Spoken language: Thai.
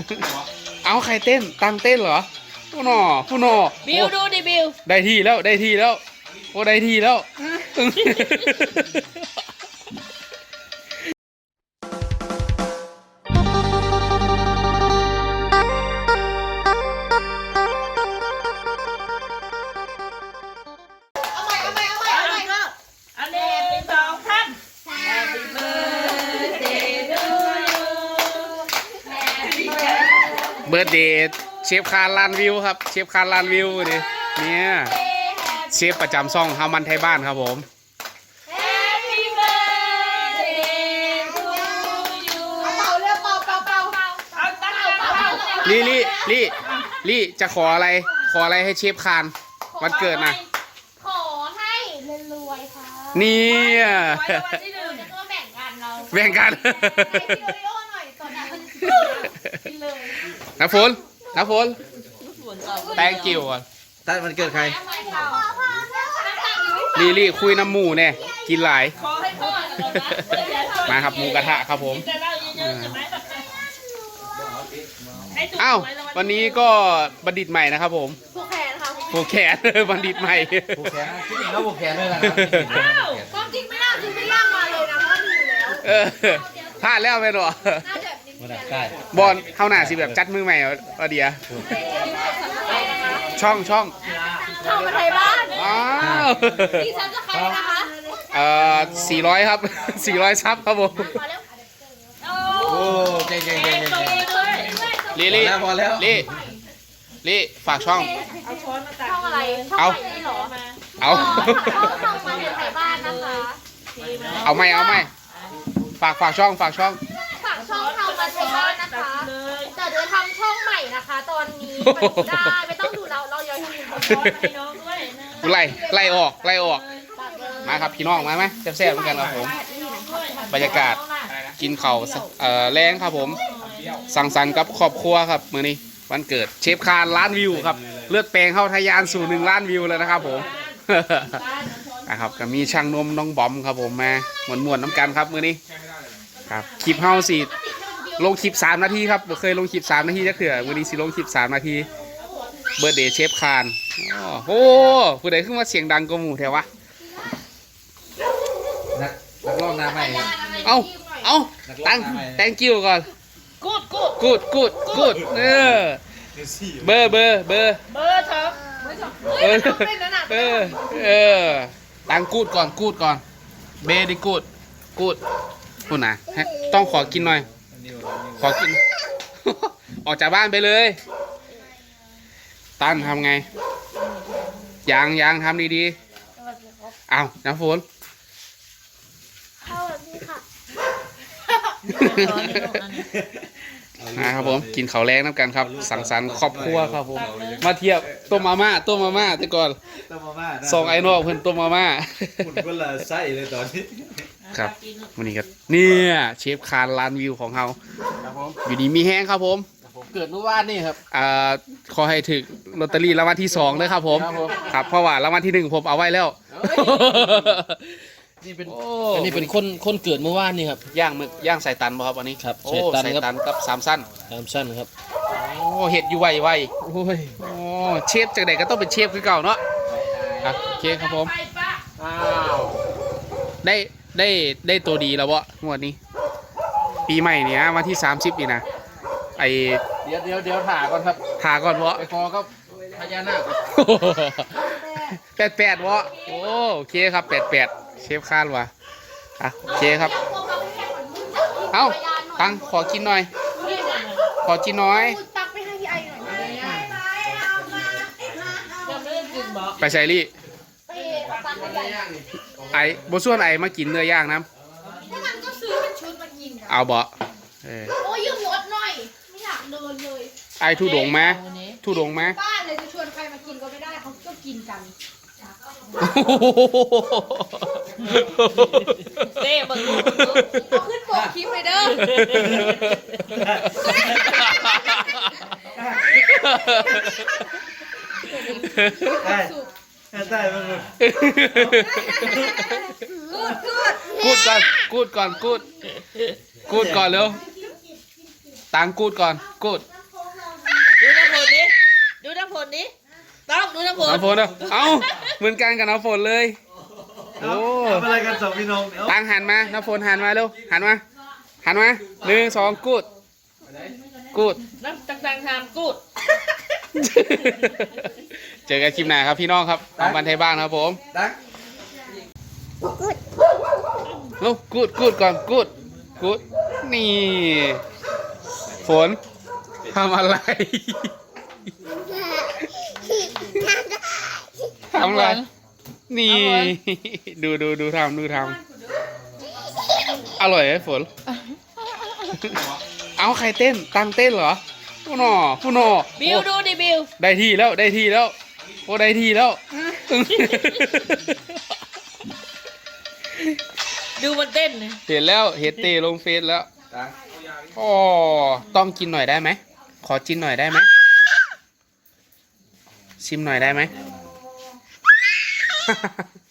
เอาใครเต้นตั้งเต้นเหรอผู้หนอบิวดูดิบิวได้ที่แล้วโอ้ได้ที่แล้วเบิร์ดเดย์เชฟคาร์ลานวิวครับเชฟคาร์ลานวิวดิเนี่ยเชฟประจำซ่องฮามันไทยบ้านครับผมลี่จะขออะไรให้เชฟคานวันเกิดนะขอให้รวยค่ะเนี่ยแบ่งกันน้ำฝนthank you อ่ะตั้งมันเกิดใครลี่คุยน้ำหมูเนี่ยกินหลายมาครับหมูกระทะครับผมอ้าววันนี้ก็บัณฑิตใหม่นะครับผมผูกแขนบัณฑิตใหม่ผูกแขนคิดเองแล้วผูกแขนด้วยนะครับความจริงไม่น่าคือไม่ย่างมาเลยนะเพราะอยู่แล้วพลาดแล้วไปหรอบอลเข้าหน้าสิแบบจัดมือใหม่เอาเดียช่องเข้ามาไทยบ้านดีซับจะใครนะคะ 400ครับ400ซับครับผมโอ้เก่งพอแล้วลี่ฝากช่องช่องอะไรช่องนี้หรอเอาช่องมาไทยบ้านนะคะเอาไม่ฝากช่องเข้ามาไทยบ้านนะคะแต่เดี๋ยวทำช่องใหม่นะคะตอนนี้ได้ไม่ต้องดูเราย้อนไล่ออกมาครับพี่น้องมาไหมแซ่บๆเหมือนกันครับผมบรรยากาศกินเข่าแรงครับผมสังสรรค์กับครอบครัวครับมื้อนี้วันเกิดเชฟคาร์ล้านวิวครับเลือดแปลงเข้าทะยานสู่1 ล้านวิวแล้วนะครับผมนะครับก็มีช่างนมน้องบอมครับผมมาม่วนน้ำกันครับมื้อนี้ครับคลิปเฮาสิลงคลิป3 นาทีครับเคยลงคลิป3 นาทีจะเถื่อมื้อนี้สิลงคลิป3 นาทีเบิร์ดเดย์เชฟคาร์โอ้ผู้ใดขึ้นมาเสียงดังกว่าหมู่แถววะนักร้องหน้าใหม่เอาthank you ก่อนกูดเบอร์เถอะตั้งกูดก่อนเบดิกูดพูดนะต้องขอกินหน่อยขอกินออกจากบ้านไปเลยตั้นทำไงยังทำดีๆเอาน้ำฝนนะครับผมกินข้าวแรงน้ำกันครับสังสรรค์ครอบครัวครับผมมาเทียบต้มมาม่าแต่ก่อน2 ไอ้นอกเพิ่นต้มมาม่าคุณก็ละไส้เลยตอนนี้ครับวันนี้ก็เนี่ยเชฟคาร์ล้านวิวของเราอยู่ดีมีแห้งครับผมเกิดเมื่อวานนี่ครับขอให้ถึงลอตเตอรี่รางวัลที่2เลยครับผมครับเพราะว่ารางวัลที่1ผมเอาไว้แล้วนี่เป็นคนเกิดเมื่อวานนี่ครับย่างใส่ตันบ่ครับวันนี้ครับใส่ตันกับ3 สั้นครับโอ้เห็ดอยู่ไวโอ้ยเชฟจากไหนก็ต้องเป็นเชฟคือเก่าเนาะครับโอเคครับผมได้ตัวดีแล้ววะงวดนี้ปีใหม่เนี้ยวันที่30นี่นะเดี๋ยวถ่าก่อนครับถ่าก่อนวะไปคอครับพญานาค 88วะโอเคครับ88เชฟคาดวะโอเคครับเอาตังขอกินหน่อยตักไปให้พี่ไอหน่อยไปใส่ลี่บส่วนมากินเนื้อย่างน้ำมันก็ซื้อเป็นชุดมากินเอาบ่โอ้ยยืมรถหน่อยไม่อยากเดินเลยทุดงไหมบ้านเลยจะชวนใครมากินก็ไม่ได้เขาก็กินกันเต้บังคับขึ้นโปกคลิปเลยเด้อได้มากูดก่อนเร็วตังกูดก่อนกูดดูน้ำฝนดิดูน้ำฝนดิต้องดูน้ำฝนน้ำฝนเด้อเอ้าเหมือนกันกับน้ำฝนเลยโอ้ทำอะไรกันสองพี่น้องเดี๋ยวตังหันมาน้ำฝนหันมาเร็วหันมา1 2กูดกูดน้ำต่างๆทำกูดเจอกันคลิปหน้าครับพี่น้องครับของบันไทยบ้านครับผมดักลูกกูดก่อนกูดนี่ฝนทำอะไรทำอะไรนี่ดูทำอร่อยไหมฝนเอาใครเต้นตังเต้นเหรอผู้หนอบิวดูดิบิวได้ที่แล้วโอ้ได้ที่แล้วดูมันเต้นนะเห็นแล้วเห็นเตลงเฟซแล้วอ๋อต้องกินหน่อยได้ไหมขอกินหน่อยได้ไหมชิมหน่อยได้ไหม